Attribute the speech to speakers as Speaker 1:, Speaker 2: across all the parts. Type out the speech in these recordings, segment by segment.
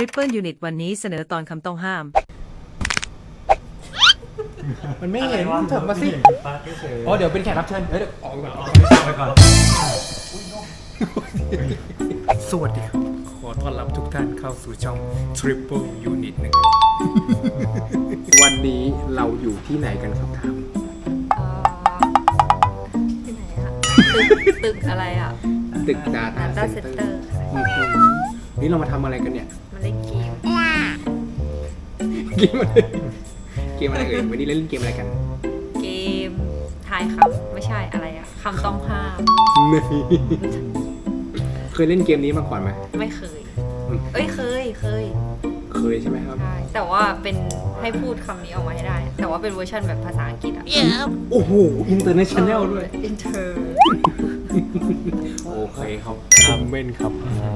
Speaker 1: Triple Unit วันนี้เสนอตอนคำต้องห้าม
Speaker 2: มันไม่เห็นเถิบมาสิอ๋อเดี๋ยวเป็นแขกรับเชิญเดี๋ยวออกก่อนสวัสดีครับขอต้อนรับทุกท่านเข้าสู่ช่อง Triple Unit นะครับวันนี้เราอยู่ที่ไหนกันครับทาม
Speaker 3: ที่ไหนอะตึกอะไรอะ
Speaker 2: ตึก Data
Speaker 3: Data
Speaker 2: Center
Speaker 3: Center
Speaker 2: นี่เรามาทำอะไรกันเนี่ย
Speaker 3: มาเล่นเกม
Speaker 2: เกมอะไรเกมอะไรเอ่ยวันนี้เล่นเกมอะไรกัน
Speaker 3: เกมทายคำไม่ใช่อะไรอะคำต้องห้าม
Speaker 2: นี่เคยเล่นเกมนี้มาก่อนไหม
Speaker 3: ไม่เคย เอ้ยเคย
Speaker 2: เคยใช่ไหมครับ
Speaker 3: ใช่แต่ว่าเป็นให้พูดคำนี้ออกมาให้ได้ แต่ว่าเป็นเวอร์ชันแบบภาษาอังกฤษอะ
Speaker 2: โอ้โหอินเตอร์เนชั่นแนลด้วย
Speaker 3: อินเตอร์
Speaker 2: โอเคครับคอมเมนต์ครับ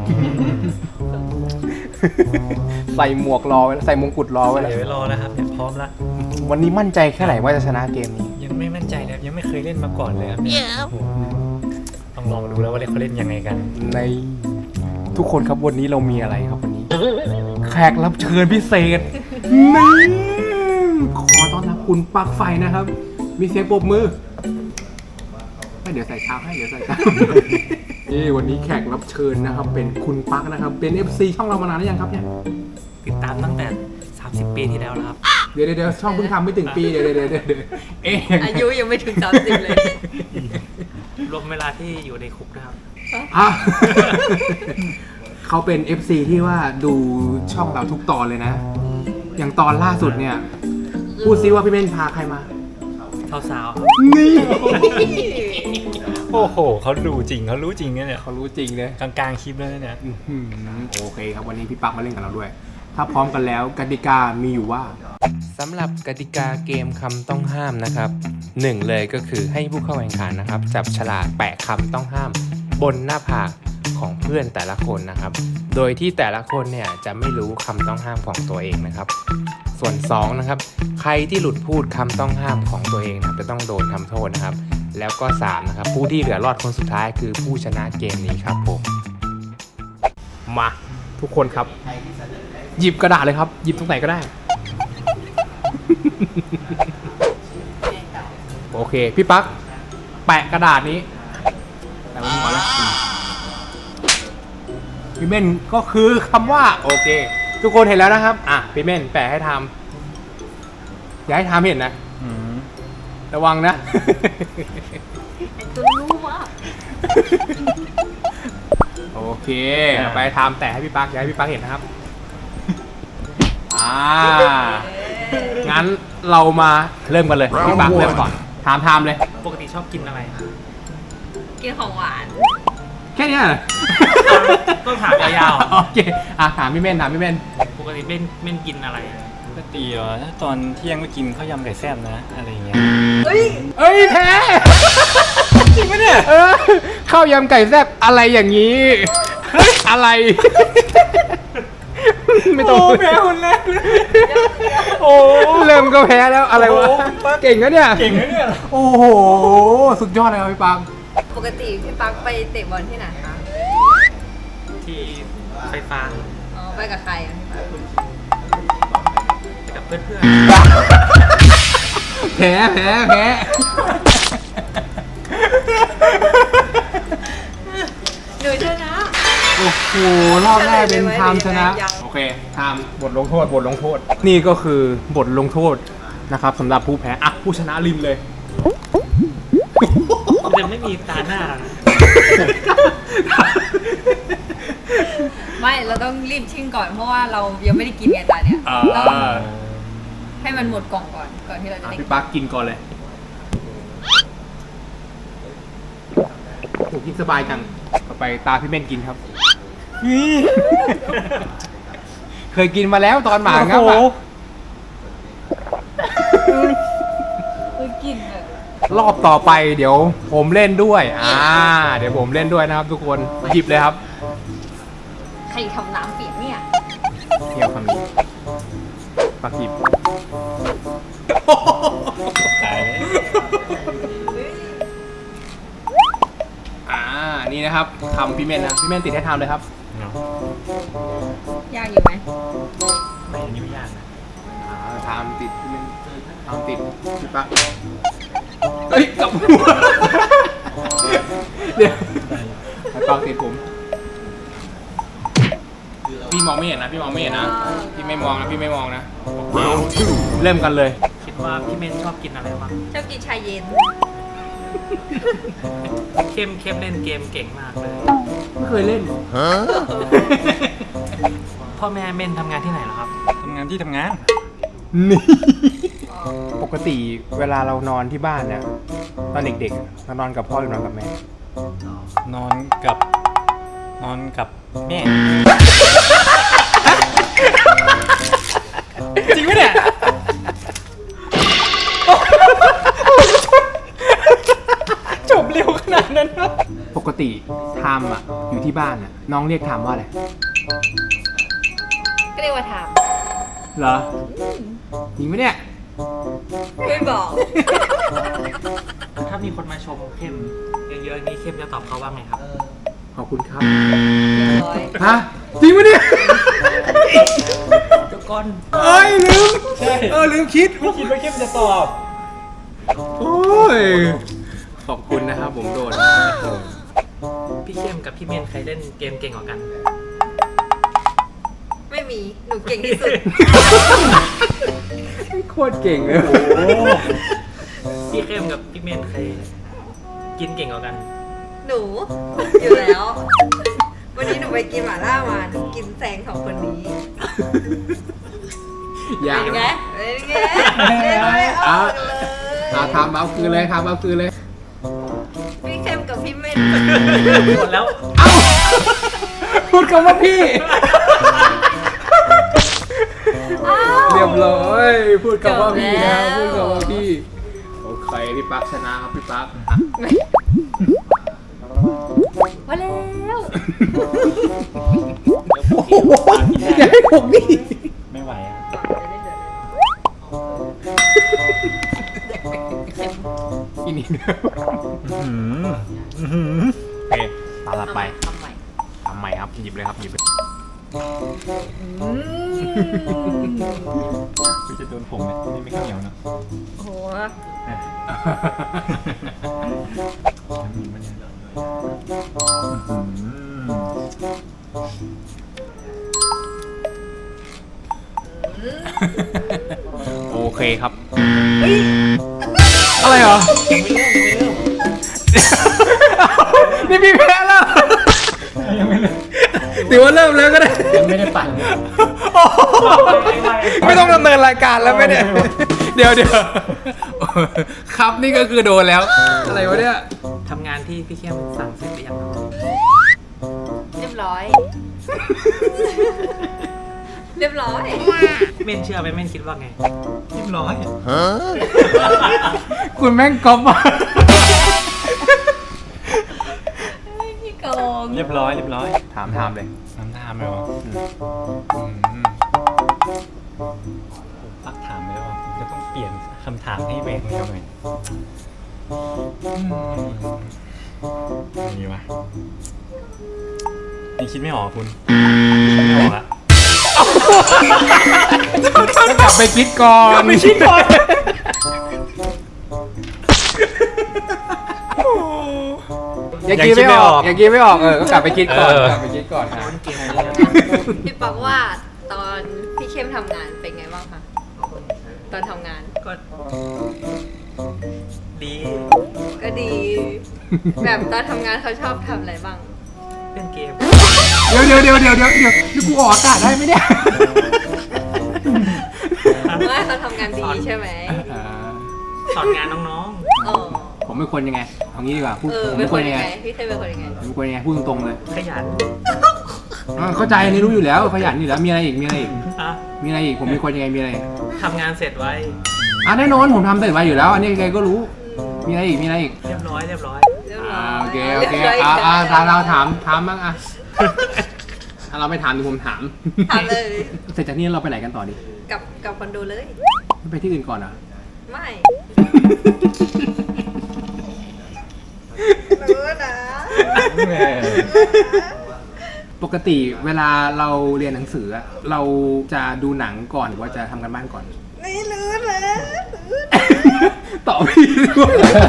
Speaker 2: ใส่หมวกรอไว้ใส่มงกุฎรอไว้
Speaker 4: ใส่
Speaker 2: แล้ว
Speaker 4: ไว้รอแล้วครับเนี่ยพร้อมละ
Speaker 2: วันนี้มั่นใจแค่ไหนว่าจะชนะเกมนี้
Speaker 4: ยังไม่มั่นใจเลยครับยังไม่เคยเล่นมาก่อนเลยครับเนี่ยโอ้โหต้องลองดูแล้วว่าเขาเล่นยังไงกัน
Speaker 2: ในทุกคนครับวันนี้เรามีอะไรครับวันนี้ แขกรับเชิญพิเศษนี่ขอต้อนรับคุณปลั๊กไฟนะครับ มีเสียงปรบมือเดี๋ยวใส่เท้าให้เดี๋ยวใส่เท้านี่วันนี้แขกรับเชิญนะครับ เป็นคุณปลั๊กนะครับ เป็น FC ช่องเรามานานหรือยังครับเนี่ย
Speaker 4: ติดตามตั้งแต่ 30 ปีที่แล้วแล้วครับ
Speaker 2: เดี๋ยวช่องเพิ่งทำไม่ถึงปีเดี๋ยวเอ๊ะ
Speaker 3: อายุยังไม่ถึง30เลย
Speaker 4: รวมเวลาที่อยู่ในคุกนะครับ
Speaker 2: อ่ะ เขาเป็น FC ที่ว่าดูช่องเราทุกตอนเลยนะ อย่างตอนล่าสุดเนี่ย พูดซิว่าพี่เม่นพาใครมา
Speaker 4: สาวๆครับ
Speaker 2: นี่
Speaker 4: โอ้โหเขาดูจริงเขารู้จริงเนี่ย
Speaker 2: เขารู้จริงเลย
Speaker 4: กลางๆคลิปแล้วเนี่ย
Speaker 2: โอเคครับวันนี้พี่ปักมาเล่นกับเราด้วย ถ้าพร้อมกันแล้วกติกามีอยู่ว่าสำหรับกติกาเกมคำต้องห้ามนะครับหนึ่งเลยก็คือให้ผู้เข้าแข่งขันนะครับจับฉลากแปะคำต้องห้าม บนหน้าผากของเพื่อนแต่ละคนนะครับ โดยที่แต่ละคนเนี่ยจะไม่รู้คำต้องห้ามของตัวเองนะครับ ส่วน2นะครับใครที่หลุดพูดคำต้องห้ามของตัวเองนะครับจะต้องโดนทำโทษนะครับ แล้วก็3นะครับผู้ที่เหลือรอดคนสุดท้ายคือผู้ชนะเกมนี้ครับผมมาทุกคนครับ หยิบกระดาษเลยครับหยิบตรงไหนก็ได้ โอเคพี่ปั๊กแปะกระดาษนี้แปะไว้ก่อนแล้วพี่เม่นก็คือคำว่าโอเค ทุกคนเห็นแล้วนะครับอ่ะพี่เม่นแปะให้ทำอย่าให้ทำเห็นนะระวังนะ
Speaker 3: ตัวรู้มาก
Speaker 2: โอเคไปทำแต่ให้พี่ปั๊กอย่าให้พี่ปั๊กเห็นนะครับงั้นเรามาเริ่มกันเลยพี่ปั๊กเริ่มก่อนถามเลย
Speaker 4: ปกติชอบกินอะไร
Speaker 3: กินของหวาน
Speaker 2: แค่เนี้ยเหรอ
Speaker 4: ต้องถามยาว
Speaker 2: โอเคถามพี่เม่น
Speaker 4: ๆปกติเม่นกินอะไรปกติเหรอถ้าตอนเที่ยงก็กินข้าวยำไก่แซ่บนะอะไรอย่างเงี้ย
Speaker 3: เฮ้ย
Speaker 2: เอ้ยแพ้จริงปะเนี่ยข้าวยำไก่แซ่บอะไรอย่างนี้อะไร ไม่ต้องแพ้คนแรกเลยโอ้เริ่มก็แพ้แล้วอะไรวะเก่งนะเนี่ยโอ้โหสุดยอดเลยครับพี่ปัง
Speaker 3: ปกติพี่ปักไปเตะบอลที่ไหนคะ
Speaker 4: ที่ไฟฟ้า
Speaker 3: อ๋อไปกับใครอะพี่ปัก
Speaker 4: ไปกับเพื่อน
Speaker 2: แพ้
Speaker 3: หนูชนะ
Speaker 2: โอ้โหรอบแรกเป็นไทม์ชนะโอเคไทม์บทลงโทษนี่ก็คือบทลงโทษนะครับสำหรับผู้แพ้อ่ะผู้ชนะริมเลย
Speaker 4: ๆมันจะไม่มีตาหน้านะ
Speaker 3: ไม่เราต้องรีบชิ่งก่อนเพราะว่าเรายังไม่ได้กินไงตาเนี่ยเราให้มันหมดกล่องก่อนที่เราจะได้กิน
Speaker 2: พี่ปักกินก่อนเลยโอ้กินสบายจังต่อไปตาพี่เม่นกินครับเคยกินมาแล้วตอนหมางับอ่ะ
Speaker 3: กินเลย
Speaker 2: รอบต่อไปเดี๋ยวผมเล่นด้วยเดี๋ยวผมเล่นด้วยนะครับทุกคนหยิบเลยครับ
Speaker 3: ใครทำน้ำเปียกเนี่ย
Speaker 2: เที่ยวคำนี้ปักหยิบ
Speaker 4: ตายเลย
Speaker 2: นี่นะครับทำพี่เม่นนะพี่เม่นติดให้ทำเลยครับ
Speaker 3: ยากอยู่อีกไหม
Speaker 4: ไม่อันนี้ไม่ยากนะ
Speaker 2: ทำติดพี่ปักเฮ้ยกลับหัวเดี๋ยวพี่ปักติดผมพี่มองไม่เห็นนะพี่ไม่มองนะเริ่มกันเลย
Speaker 4: คิดว่าพี่เมนชอบกินอะไรบ้าง
Speaker 3: ชอบกินชาเย็น
Speaker 4: เข้มเล่นเกมเก่งมากเลย
Speaker 2: ไม่เคยเล่น
Speaker 4: พ่อแม่เมนทำงานที่ไหนเหรอครับทำงานที่ทำงาน
Speaker 2: นี่ปกติเวลาเรานอนที่บ้านเนี่ยตอนเด็กๆเรานอนกับพ่อหรือนอนกับแม่
Speaker 4: นอนกับแม่ จริงไหมเนี่ย จบเร็วขนาดนั้นครับ
Speaker 2: ปกติไทม์อ่ะอยู่ที่บ้านอ่ะน้องเรียกไทม์ว่าอะไร
Speaker 3: ก็เรียกว่าถาม
Speaker 2: เหรอจริงไหมเนี่ย
Speaker 3: ไม่บอก
Speaker 4: ถ้ามีคนมาชมเข้มเยอะๆนี่เข้มจะตอบเขาว่าไงครับ
Speaker 2: ขอบคุณครับ
Speaker 3: เรียบร้อย
Speaker 2: ฮะจริงไหมเนี่ย
Speaker 4: เดี๋ยวก่อน
Speaker 2: เอ้ยลืม
Speaker 4: ใช่
Speaker 2: ลืมคิด
Speaker 4: ไม่คิดว่าเข้มจะตอบ
Speaker 2: โอ้ยขอบคุณนะครับผมโดน
Speaker 4: พี่เข้มกับพี่เมนใครเล่นเกมเก่งกว่ากัน
Speaker 3: ไม่มี หนูเก่งที่สุด
Speaker 2: โคตรเก่งเลย
Speaker 4: พี่เข้มกับพี่เมนใครกินเก่งกว่ากัน
Speaker 3: หนูอยู่แล้ว วันนี้หนูไปกินหม่าล่ามาหนูกินแซงสองคนนี้
Speaker 2: อย่า
Speaker 3: เป็นไงเป็นไงเล่นไม่ออกเลย
Speaker 2: ทำเอาคืนเลยครับเอาคืนเลย
Speaker 3: พี่เข้มกับพี่เม่น
Speaker 4: หมดแล้ว
Speaker 2: เอ้าพูดคำว่าพี่ เรียบร้อยพูดคำว่าพี่นะพูดคำว่าพี่โอเคพี่ปั๊กชนะครับพี่ปั๊ก
Speaker 3: มาแล้ว
Speaker 2: อย่าให้ผมดิ
Speaker 4: ไม่ไหวอ่ะ
Speaker 2: อีนี่โอเคตาละไป
Speaker 3: ทำใหม่
Speaker 2: ทำใหม่ครับหยิบเลยครับหยิบเลย
Speaker 4: คือจะโดนผมเนี่ยนี่ไม่ข้าวเหนียวนะ
Speaker 3: โอ้โห
Speaker 4: มีมันเนี่ย
Speaker 2: โอเคครับอะไรเหรอ
Speaker 4: ยังไม่เริ่ม
Speaker 2: นี่พี่แพ้แล้ว
Speaker 4: ยังไม่เริ่ม
Speaker 2: ถือว่าเริ่มแล้วก็ได้
Speaker 4: ยังไม่ได้ปั่น
Speaker 2: ไม่ต้องดำเนินรายการแล้วไหมเนี่ยเดี๋ยวครับนี่ก็คือโดนแล้วอะไรวะเนี่ย
Speaker 4: ทำงานที่พี่เข้มสั่งเสร็จหรือยังครับ
Speaker 3: เรียบร้อย เรียบร้อย
Speaker 4: เมนเชื่อไหมเมนคิดว่าไงเรียบร้อย
Speaker 2: คุณแม่งก๊อปมา
Speaker 3: พี่โกง
Speaker 4: เรียบร้อย
Speaker 2: ถามเลย
Speaker 4: น้ำตามไหมวะปักถามไปแล้วว่าผมจะต้องเปลี่ยนคำถามให้แหวกแนวหน่อยมีวะยังคิดไม่ออกคุณคิดไม่ออกละ
Speaker 2: ต้องกลับไปคิดก่อน อย่ากินไม่ออกก็กลับไปคิดก่อนนะ
Speaker 3: พี่ปักว่าตอนพี่เข้มทำงานเป็นไงบ้างคะตอนทำงาน
Speaker 4: ก็ดี
Speaker 3: ก็ดี แบบตอนทำงานเขาชอบทำอะไรบ้าง
Speaker 4: เล่นเกม
Speaker 2: เดี๋ยวนี่กูออกอากาศได้ไหมเนี่ย
Speaker 3: ว่าเขาทำงานดีใช่ไหม
Speaker 4: สอนงานน้อง
Speaker 3: อ๋อ
Speaker 2: ผมเป็นคนยังไงเอางี้ดีกว่าพูด
Speaker 3: เออ
Speaker 2: ผม
Speaker 3: เป็
Speaker 2: เป็น น
Speaker 3: ค
Speaker 2: คน น
Speaker 3: ยั
Speaker 2: ยัง ง
Speaker 3: ไง
Speaker 2: ไง
Speaker 3: พี่เคยเป็นคนยังไง
Speaker 2: ผมเป็นคนยังไงพูดตรงๆเลย
Speaker 4: ๆขยัน
Speaker 2: เข้าใจอันนี้รู้อยู่แล้วขยันอยู่แล้วมีอะไรอีก
Speaker 4: อะ
Speaker 2: ผมเป็นคนยังไงมีอะไร
Speaker 4: ทำงานเสร็จไว้
Speaker 2: แน่นอนผมทำเสร็จไว้อยู่แล้ว อันนี้ใครก็รู้มีอะไรอีก
Speaker 4: เรียบร้อย
Speaker 3: เรียบร้อย
Speaker 2: โอเค
Speaker 3: เรียบร้อย
Speaker 2: เราถามบ้างถ้าเราไม่ถามดิผมถาม
Speaker 3: ถามเลย
Speaker 2: เสร็จจากนี้เราไปไหนกันต่อดี
Speaker 3: กับคอนโดเลย
Speaker 2: ไม่ไปที่อื่นก่อนเหรอ
Speaker 3: ไม่รู้นะ
Speaker 2: ปกติเวลาเราเรียนหนังสืออะเราจะดูหนังก่อนหรือว่าจะทำกันบ้านก่อน
Speaker 3: ไม่รู้เลย
Speaker 2: ตอบพี่ด้วย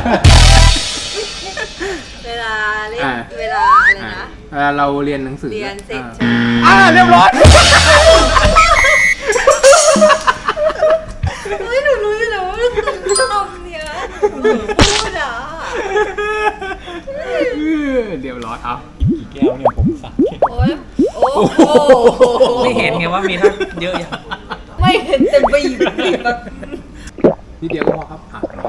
Speaker 3: เวลาเล่น
Speaker 2: อ่า
Speaker 3: เวลาอะไรนะ
Speaker 2: เวลาเราเรียนหนังสือ
Speaker 3: เรียนเสร็จ
Speaker 2: เรียบร้อย
Speaker 3: เฮ้ยหนูรู้อยู่แล้วว่าหนูชอบเนี่ยหนูพูดอ่ะ
Speaker 2: เรียบร้อยเอา
Speaker 4: กี่แก้วเนี่ยผมสั่งแก้ว
Speaker 3: โอ้ยโอ้โห
Speaker 4: ไม่เห็นไงว่ามีทั้งเยอะอย่าง
Speaker 3: ไม่เห็นแต่บีบแบบ
Speaker 2: นิดเดียวก็พอครับโอเค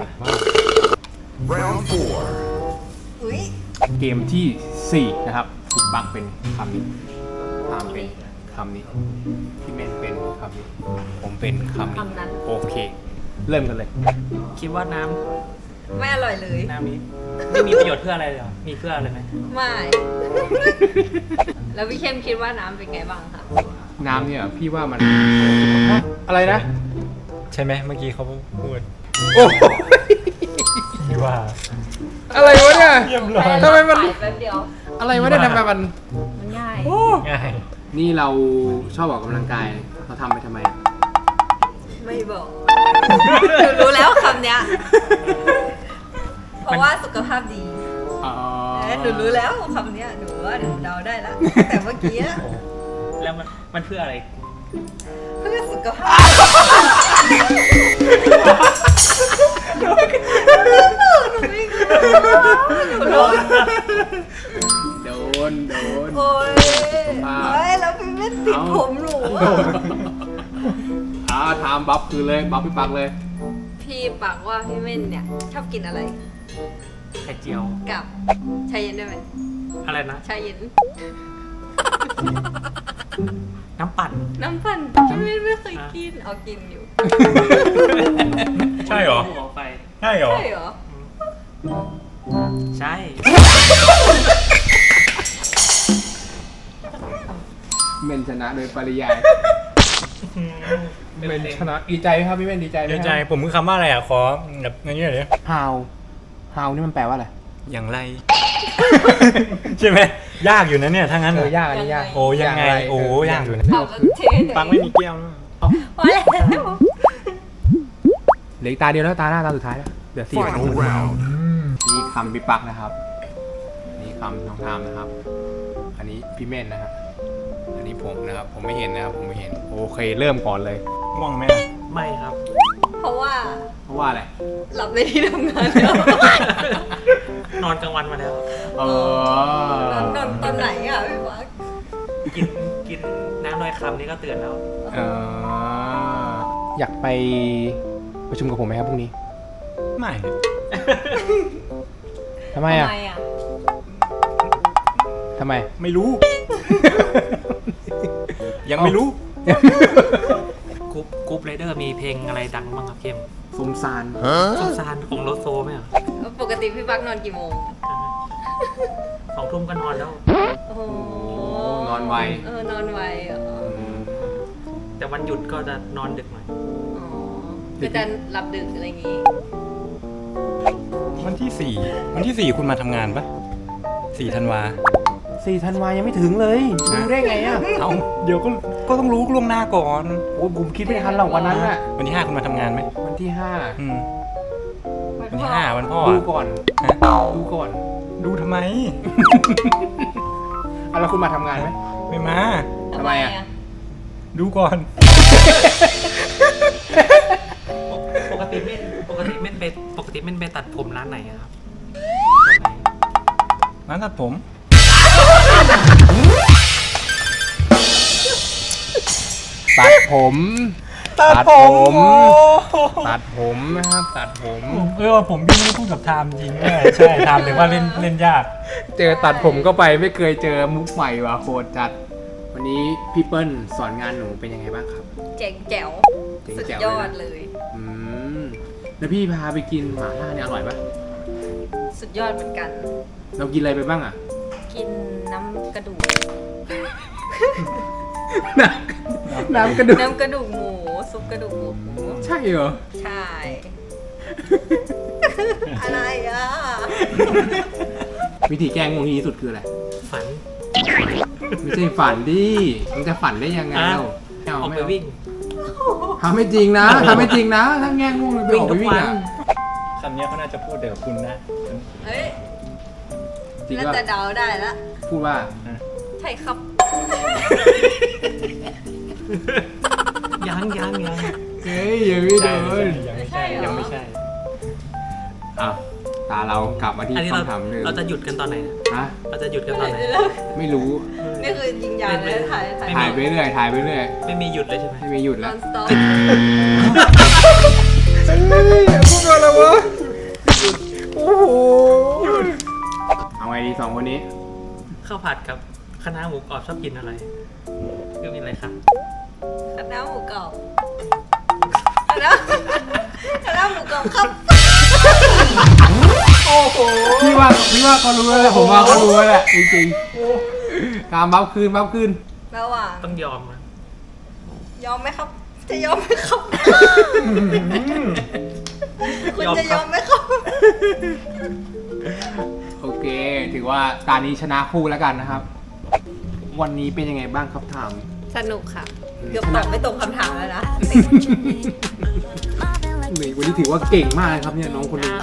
Speaker 3: อุ้ย
Speaker 2: เกมที่ 4 นะครับถูกบังเป็นคำนี้ตามเป็นคำนี้พี่เมนเป็นคำนี้ผมเป็นคำนี้
Speaker 3: คำนั้น
Speaker 2: โอเค เริ่มกันเลย
Speaker 4: คิดว่าน้
Speaker 3: ไม่อร่อยเลย
Speaker 4: ำนี้ไม่มีประโยชน์เพื่ออะไรเลยเหรอมีเพื่ออะไรไหม
Speaker 3: ไม่ แล้วพี่เข้มคิดว่าน้ำเป็นไงบ้างคะ
Speaker 2: น้ำเนี่ยพี่ว่ามันอะไรนะ
Speaker 4: ใช่ไหมเมื่อกี้เขาพูด
Speaker 2: โอ้
Speaker 4: ที่ว่า
Speaker 2: อะไรวะเนี่ย
Speaker 4: เยี่ยมเลย
Speaker 2: ทำไมมัน
Speaker 3: แป๊บเดียว
Speaker 2: อะไรวะเนี่ยทำไมมัน
Speaker 3: มันง่าย
Speaker 4: ง่าย
Speaker 2: นี่เราชอบออกกำลังกายเราทำไปทำไม
Speaker 3: ไม่บอกหนูรู้แล้วคำเนี้ย เพราะว่าสุขภาพดี
Speaker 2: อ๋อ
Speaker 3: หนูรู้แล้วคำเนี้ยหนูว่าหนูเดาได้แล้ว แต่เมื่อกี้อะ
Speaker 4: แล้วมันเพื่ออะไร
Speaker 3: เพื่อสุขภาพหนูไม่รู้หนูรู้
Speaker 2: โดน
Speaker 3: โอ้ย
Speaker 2: สุขภาพ
Speaker 3: เฮ้ยแล้วพี่ไม่ติดผมหนูอะ
Speaker 2: ทำบัฟคือเลยบัฟพี่ปักเลย
Speaker 3: พี่ปักว่าพี่เม่นเนี่ยชอบกินอะไร
Speaker 4: ไข่เจียว
Speaker 3: กับชาเย็นได้ไหม
Speaker 4: อะไรนะ
Speaker 3: ชาเย็น
Speaker 4: น้ำปั่น
Speaker 3: น้ำปั่นพี่เม่นไม่เคยกินเอากินอยู่
Speaker 4: ใช่เหรอไปใช่เหรอ
Speaker 3: ใช่เหรอ
Speaker 4: ใช่
Speaker 2: เมนชนะโดยปริยายเมนชนะดีใจไหมครับพี่เมนดีใจไหม
Speaker 4: เดี๋ยวใจผมคือคำว่าอะไรอ่ะขอแบบอย่างนี้หน่อยดิ
Speaker 2: ฮาวนี่มันแปลว่าอะไร
Speaker 4: อย่างไร ใช่ไหมยากอยู่นะเนี่ยถ้างั้น
Speaker 2: ยากอันนี้ยาก
Speaker 4: โอ้ยังไงโอ้ยากอยู่นะ
Speaker 3: เอาแล้วเทเลย
Speaker 4: ปังไม่มีแก้วนะ
Speaker 3: พอแล้ว
Speaker 2: เหลืออีกตาเดียวแล้วตาหน้าตาสุดท้ายแล้วเดี๋ยว4นี่คำพี่ปักนะครับนี่คำน้องทามนะครับ อันนี้พี่เมนนะครับอันนี้ผมนะครับผมไม่เห็นนะครับผมไม่เห็นโอเคเริ่มก่อนเลย
Speaker 4: ง่วงไหมไม่ครับ
Speaker 3: เพราะว่า
Speaker 2: เพราะว่าอะไร
Speaker 3: หลับในที่ทำงานแล้ว
Speaker 4: นอนกลางวันมาแล้ว
Speaker 2: เออ
Speaker 3: นอนตอนไหนอ่ะพี่ปัก
Speaker 4: กินน้ำลอยคำนี่ก็เตือนแล้ว
Speaker 2: เอออยากไปประชุมกับผมไหมครับพรุ่งนี้
Speaker 4: ไม่
Speaker 2: ทำไมอ่ะ
Speaker 3: ทำไมอ่ะ
Speaker 2: ทำไม
Speaker 4: ไม่รู้ ยังไม่รู้กรุ๊ปไรเดอร์มีเพลงอะไรดังบ้างครับเข้ม
Speaker 2: สมซาน
Speaker 4: สงสารของโลโซไหมอ่ะ
Speaker 3: ปกติพี่ปักนอนกี่โมง
Speaker 4: 2 ทุ่มก็นอนแล้ว
Speaker 3: โอ้โห
Speaker 2: นอนไว
Speaker 3: นอนไวเหรอ
Speaker 4: แต่วันหยุดก็จะนอนดึกหน่อย
Speaker 3: อ๋อก็จะหลับดึกอะไรอย่างงี้
Speaker 5: วันที่ 4 คุณมาทำงานปะ4 ธันวา
Speaker 2: 4 ธันวายังไม่ถึงเลยรู้ได้ไงอ่ะ
Speaker 5: เอาเดี๋ยวก็ต้องรู้ล่วงหน้าก่อน
Speaker 2: โอ้ยผมคิดไม่ทันหรอกวันนั้นอ่ะ
Speaker 5: วันที่ 5 คุณมาทำงานไหม
Speaker 2: วันที่
Speaker 5: อืม
Speaker 3: วั
Speaker 5: วัน
Speaker 3: น
Speaker 5: ที่
Speaker 3: พ่อ
Speaker 5: 5 วันพ่อ
Speaker 2: 5 ดู
Speaker 5: อะ
Speaker 2: ก่อน
Speaker 5: ฮะ
Speaker 2: ดูก่อน
Speaker 5: ดูทำไม
Speaker 2: เอาแล้วคุณมาทำงานไหม
Speaker 5: ไม่มา
Speaker 2: ทำไมอะ
Speaker 5: ดูก่อน
Speaker 4: ปกติเม่นไปตัดผมร้านไหนอะครับ
Speaker 5: ร้านตัดผม
Speaker 2: ตัดผม ตัดผมนะครับตัดผม
Speaker 5: ผมพี่ไม่ได้พูดกับไทม์จริงด้วยใช่ไทม์ถึงว่าเล่นยาก
Speaker 2: เจอตัดผมก็ไปไม่เคยเจอมุกใหม่ว่ะโคตรจัด วันนี้พี่เปิ้ลสอนงานหนูเป็นยังไงบ้างครับ
Speaker 3: เจ๋งแจ๋ว
Speaker 2: เจ๋ง
Speaker 3: สุด
Speaker 2: แจ๋วย
Speaker 3: อ
Speaker 2: เลย
Speaker 3: ด
Speaker 2: นะ
Speaker 3: เลย
Speaker 2: อืมแล้วพี่พาไปกินหม่าล่าเนี่ยอร่อยปะ
Speaker 3: สุดยอดเหมือนกัน
Speaker 2: เรากินอะไรไปบ้างอ่ะ
Speaker 3: กินน้ำกระดูก
Speaker 2: น้ำกระดูก
Speaker 3: น้ำกระดูกหมู ซุปกระดูกหมู
Speaker 2: ใช่เหรอ
Speaker 3: ใช่ อะไรอ่ะ
Speaker 2: วิธีแก้ง่วงที่ดีที่สุดคืออะไร
Speaker 4: ฝัน
Speaker 2: ไม่ใช่ฝันดิมันจะฝันได้ยังไง
Speaker 4: อ่ะ
Speaker 2: เรา
Speaker 4: ออกไปวิ่ง
Speaker 2: ทำไม่จริงนะทำไม่จริงนะถ้าแง่ง่วงเลยไปออกไปวิ่งอ่ะ
Speaker 4: คำนี้เขาน่าจะพูดเดี๋ยวคุณนะ
Speaker 3: เฮ้ย
Speaker 2: จริง
Speaker 3: น่า
Speaker 2: ว่า
Speaker 3: จะเดาได้แล้ว
Speaker 2: พูดว่า
Speaker 3: ใช่ครับ
Speaker 5: ยัง
Speaker 2: เฮ้ยอย่าไม่โดน
Speaker 4: ยังไม่ใช่ยังไม่ใช่
Speaker 2: อ่ะตาเรากลับมาที่
Speaker 5: อันนี้เรา
Speaker 2: คำถามเดิม
Speaker 5: เราจะหยุดกันตอนไหนนะ
Speaker 2: ฮะ
Speaker 5: เราจะหยุดกันตอนไหน
Speaker 2: ไม่รู้
Speaker 3: นี่คือยิงยาวเลยถ่าย
Speaker 2: ถ่ายไปเรื่อยถ่ายไปเรื่อย
Speaker 5: ไม่มีหยุดเลยใช่ไหม
Speaker 2: ไม่มีหยุด
Speaker 3: น
Speaker 2: แล้
Speaker 3: อ
Speaker 2: วน
Speaker 3: สต็อป
Speaker 2: พูดอะไรวะโอ้โหเอาไงดีสองคนนี้
Speaker 5: ข้าวผัดกับคณะหมูกรอบชอบกินอะไรก็มีอะไรครับ
Speaker 3: คณะหมูกรอบคณะหมูกรอบครับ
Speaker 2: พี่ว่าเขารู้แล้วแหละผมว่าเขารู้แล้วแหละจริงๆการบัฟคืน
Speaker 3: ระหว่าง
Speaker 5: ต้องยอมนะ
Speaker 3: ยอมไหมครับ จะยอมไหมครับ คุณจะยอมไหมครับ
Speaker 2: โอเค ถือว่าตานี้ชนะคู่แล้วกันนะครับ วันนี้เป็นยังไงบ้างครับถาม
Speaker 3: สนุกค่ะ เกือบตอบไม่ตรงคำถามแล้วนะ
Speaker 2: หนึ่งวันนี้ถือว่าเก่งมากเลยครับเนี่ยน้องคนนี้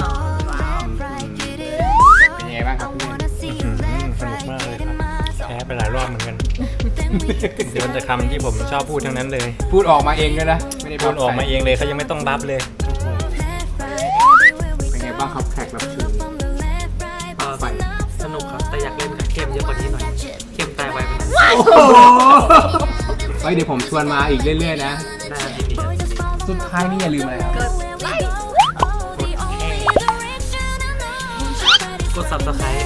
Speaker 2: เป็นยังไงบ้างครับพี่เมย์
Speaker 4: สนุกมากเลยครับแพ้ไปหลายรอบเหมือนกันเดี๋ยวมันจะคำที่ผมชอบพูดทั้งนั้นเลย
Speaker 2: พูดออกมาเองด้วยนะไม่ได้
Speaker 4: พูดออกมาเองเลยเขายังไม่ต้องบัฟเลย
Speaker 2: เป็นไงบ้างครับแขกรับเชิญไป
Speaker 5: สนุกครับแต่อยากเล่นกับเข้มเยอะกว่านี้หน่อยเข้มตายไวไปหน่อย
Speaker 2: โอ้โหเฮ้ยเดี๋ยวผมชวนมาอีกเรื่อยๆนะ
Speaker 5: ได้ครับยินดีครับยินดี
Speaker 2: สุดท้ายนี่อย่าลืมอะไรครับ
Speaker 3: กดไลค์
Speaker 5: กด subscribe